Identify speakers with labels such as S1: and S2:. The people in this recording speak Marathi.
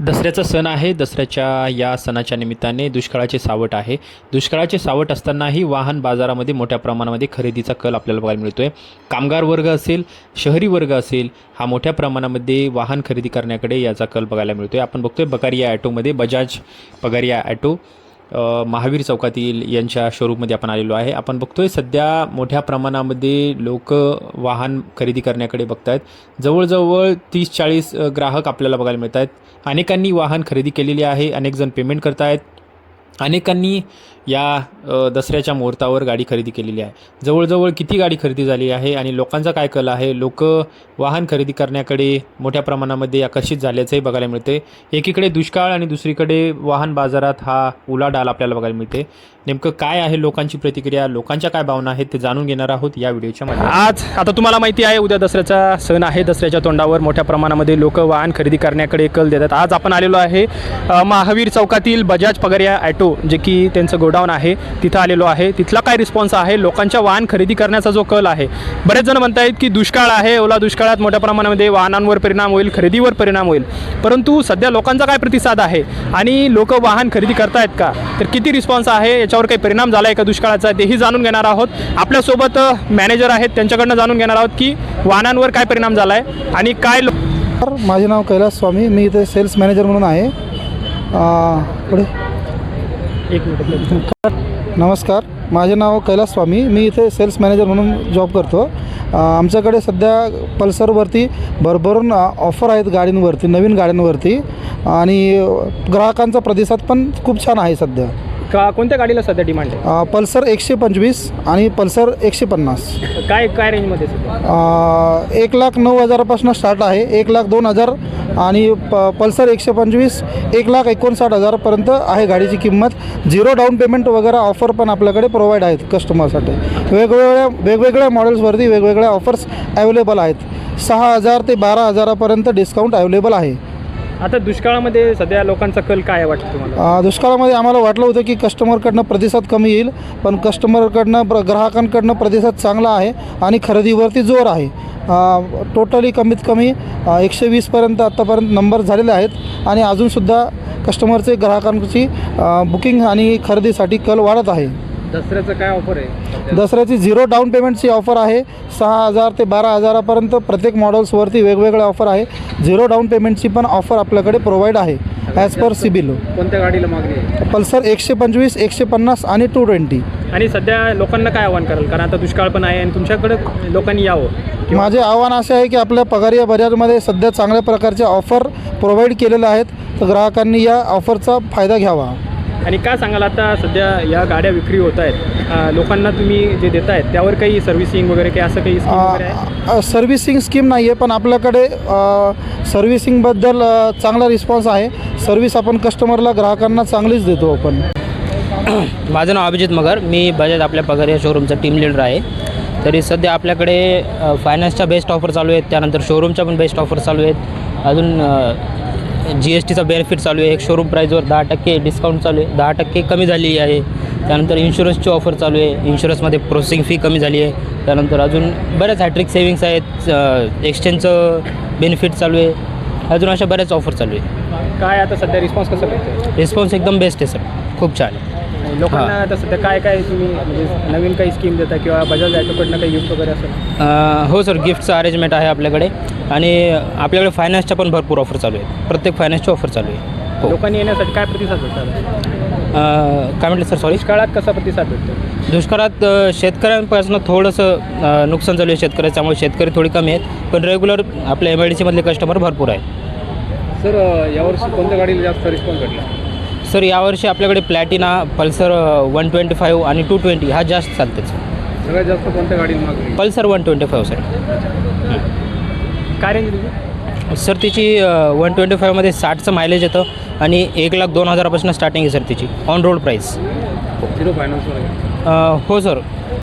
S1: दसऱ्याचा सण आहे. दसऱ्याच्या या सणाच्या निमित्ताने दुष्काळाचे सावट आहे. दुष्काळाचे सावट असतानाही वाहन बाजारामध्ये मोठ्या प्रमाणामध्ये खरेदीचा कल आपल्याला बघायला मिळतो आहे. कामगार वर्ग असेल, शहरी वर्ग असेल, हा मोठ्या प्रमाणामध्ये वाहन खरेदी करण्याकडे याचा कल बघायला मिळतो आहे. आपण बघतोय बकारिया ॲटोमध्ये, बजाज बकारिया ॲटो महावीर चौकातील यांच्या शोरूममध्ये आपण आलेलो आहे. आपण बघतोय सध्या मोठ्या प्रमाणामध्ये लोक वाहन खरेदी करण्याकडे बघत आहेत. जवळजवळ 30-40 ग्राहक आपल्याला बघायला मिळत आहेत. अनेकांनी वाहन खरेदी केलेली आहे, अनेक जण पेमेंट करत आहेत, अनेकांनी या दसऱ्याच्या मुहूर्तावर गाडी खरेदी केलेली आहे. जवळजवळ किती गाडी खरेदी झाली आहे आणि लोकांचा काय कल आहे, लोक वाहन खरेदी करण्याकडे मोठ्या प्रमाणामध्ये आकर्षित झाल्याचंही बघायला मिळते. एकीकडे दुष्काळ आणि दुसरीकडे वाहन बाजारात हा उलाढाल आपल्याला बघायला मिळते. नेमकं काय आहे लोकांची प्रतिक्रिया, लोकांच्या काय भावना आहेत ते जाणून घेणार आहोत या व्हिडिओच्या माध्यमातून. आज आता तुम्हाला माहिती आहे उद्या दसऱ्याचा सण आहे. दसऱ्याच्या तोंडावर मोठ्या प्रमाणामध्ये लोक वाहन खरेदी करण्याकडे कल देतात. आज आपण आलेलो आहे महावीर चौकातील बजाज बकारिया ॲटो, जे की त्यांचं गोडाऊन आहे, तिथं आलेलो आहे. तिथला काय रिस्पॉन्स आहे, लोकांच्या वाहन खरेदी करण्याचा जो कल आहे. बरेच जण म्हणत आहेत की दुष्काळ आहे, ओला दुष्काळात मोठ्या प्रमाणामध्ये वाहनांवर परिणाम होईल, खरेदीवर परिणाम होईल. परंतु सध्या लोकांचा काय प्रतिसाद आहे आणि लोक वाहन खरेदी करतायत का, तर किती रिस्पॉन्स आहे, याच्यावर काही परिणाम झाला आहे का दुष्काळाचा, तेही जाणून घेणार आहोत. आपल्यासोबत मॅनेजर आहेत, त्यांच्याकडनं जाणून घेणार आहोत की वाहनांवर काय परिणाम झाला आहे आणि काय.
S2: माझे नाव कैलास स्वामी, मी इथे सेल्स मॅनेजर म्हणून आहे. पुढे
S1: एक मिनिट.
S2: नमस्कार, माझे नाव कैलास स्वामी, मी इथे सेल्स मॅनेजर म्हणून जॉब करतो. आमच्याकडे सध्या पल्सरवरती भरभरून ऑफर आहेत गाडींवरती, नवीन गाड्यांवरती, आणि ग्राहकांचा प्रतिसाद पण खूप छान आहे सध्या.
S1: कोणत्या गाडीला सध्या डिमांड आहे?
S2: पल्सर 125 आणि पल्सर 150.
S1: काय रेंजमध्ये?
S2: 1,09,000पासून स्टार्ट आहे, 1,02,000, आणि पल्सर 125 1,59,000पर्यंत आहे गाडीची किंमत. झिरो डाऊन पेमेंट वगैरे ऑफर पण आपल्याकडे प्रोव्हाइड आहेत कस्टमरसाठी. वेगवेगळ्या मॉडेल्सवरती वेगवेगळ्या ऑफर्स अवेलेबल आहेत. 6,000 ते 12,000पर्यंत डिस्काउंट अवेलेबल आहे.
S1: आता दुष्काळामध्ये सध्या लोकांचा कल काय वाटतं तुम्हाला?
S2: दुष्काळामध्ये आम्हाला वाटलं होतं की कस्टमरकडनं प्रतिसाद कमी येईल, पण ग्राहकांकडनं प्रतिसाद चांगला आहे आणि खरेदीवरती जोर आहे. टोटली कमीत कमी 120पर्यंत आत्तापर्यंत नंबर झालेले आहेत आणि अजूनसुद्धा कस्टमरचे ग्राहकांची बुकिंग आणि खरेदीसाठी कल वाढत आहे.
S1: दसऱ्याचं काय ऑफर आहे?
S2: दसऱ्याची झिरो डाऊन पेमेंटची ऑफर आहे. 6,000 ते 12,000पर्यंत प्रत्येक मॉडेल्सवरती वेगवेगळे ऑफर आहे. झिरो डाऊन पेमेंटची पण ऑफर आपल्याकडे प्रोव्हाइड आहे ॲज पर सिबिल.
S1: कोणत्या गाडीला मागणी आहे?
S2: पल्सर 125, 150 आणि 220.
S1: आणि सध्या लोकांना काय आव्हान कराल, कारण आता दुष्काळ पण आहे आणि तुमच्याकडे लोकांनी यावं?
S2: माझे आव्हान असे आहे की आपल्या बकारिया बजाजमध्ये सध्या चांगल्या प्रकारचे ऑफर प्रोव्हाइड केलेले आहेत, तर ग्राहकांनी या ऑफरचा फायदा घ्यावा.
S1: आणि काय सांगाल, आता सध्या या गाड्या विक्री होत आहेत, लोकांना तुम्ही जे देत आहेत त्यावर काही सर्व्हिसिंग वगैरे काही असं काही स्कीम वगैरे आहे?
S2: सर्व्हिसिंग स्कीम नाही आहे, पण आपल्याकडे सर्व्हिसिंगबद्दल चांगला रिस्पॉन्स आहे. सर्व्हिस आपण कस्टमरला, ग्राहकांना चांगलीच देतो आपण.
S3: माझं नाव अभिजित मगर, मी बजाज आपल्या पगार या शोरूमचा टीम लीडर आहे. तरी सध्या आपल्याकडे फायनान्सच्या बेस्ट ऑफर चालू आहेत, त्यानंतर शोरूमच्या पण बेस्ट ऑफर चालू आहेत. अजून GSTचा बेनिफिट चालू आहे. एक शोरूम प्राईजवर 10% डिस्काउंट चालू आहे, 10% कमी झाली आहे. त्यानंतर इन्शुरन्सची ऑफर चालू आहे, इन्शुरन्समध्ये प्रोसेसिंग फी कमी झाली आहे. त्यानंतर अजून बऱ्याच हॅट्रिक सेविंग्स आहेत, एक्सचेंजचं बेनिफिट चालू आहे. अजून अशा बऱ्याच ऑफर चालू आहे.
S1: काय आता सध्या रिस्पॉन्स कसा भेटतो?
S3: रिस्पॉन्स एकदम बेस्ट आहे सर, खूप छान आहे.
S1: लोकांना आता सध्या काय तुम्ही म्हणजे नवीन काही स्कीम देता किंवा बजाज ॲटोकडनं काही गिफ्ट वगैरे असेल?
S3: हो सर, गिफ्टचं अरेंजमेंट आहे आपल्याकडे आणि आपल्याकडे फायनान्सच्या पण भरपूर ऑफर चालू आहे. प्रत्येक फायनान्सची ऑफर चालू आहे. हो.
S1: लोकांनी येण्यासाठी काय प्रतिसाद भेटतात?
S3: काय म्हटलं सर? सॉरी.
S1: दुष्काळात कसा प्रतिसाद भेटतो?
S3: दुष्काळात शेतकऱ्यांपासून थोडंसं नुकसान झालं आहे शेतकऱ्याचं, त्यामुळे शेतकरी थोडी कमी आहेत, पण रेग्युलर आपल्या MIDCमधले कस्टमर भरपूर आहेत.
S1: सर, यावर्षी कोणत्या गाडीला जास्त रिस्पॉन्स भेटला?
S3: सर, यावर्षी आपल्याकडे प्लॅटिना, पल्सर 125 आणि 220 हा जास्त चालतेच.
S1: सगळ्यात जास्त कोणत्या गाडीला मागणी?
S3: Pulsar 125 sir.
S1: काय रेंज तुझी?
S3: सर तिची 125मध्ये 60चं मायलेज येतं आणि 1,02,000पासून स्टार्टिंग आहे सर तिची ऑन रोड प्राईस.
S1: झिरो फायनान्सवर?
S3: हो सर.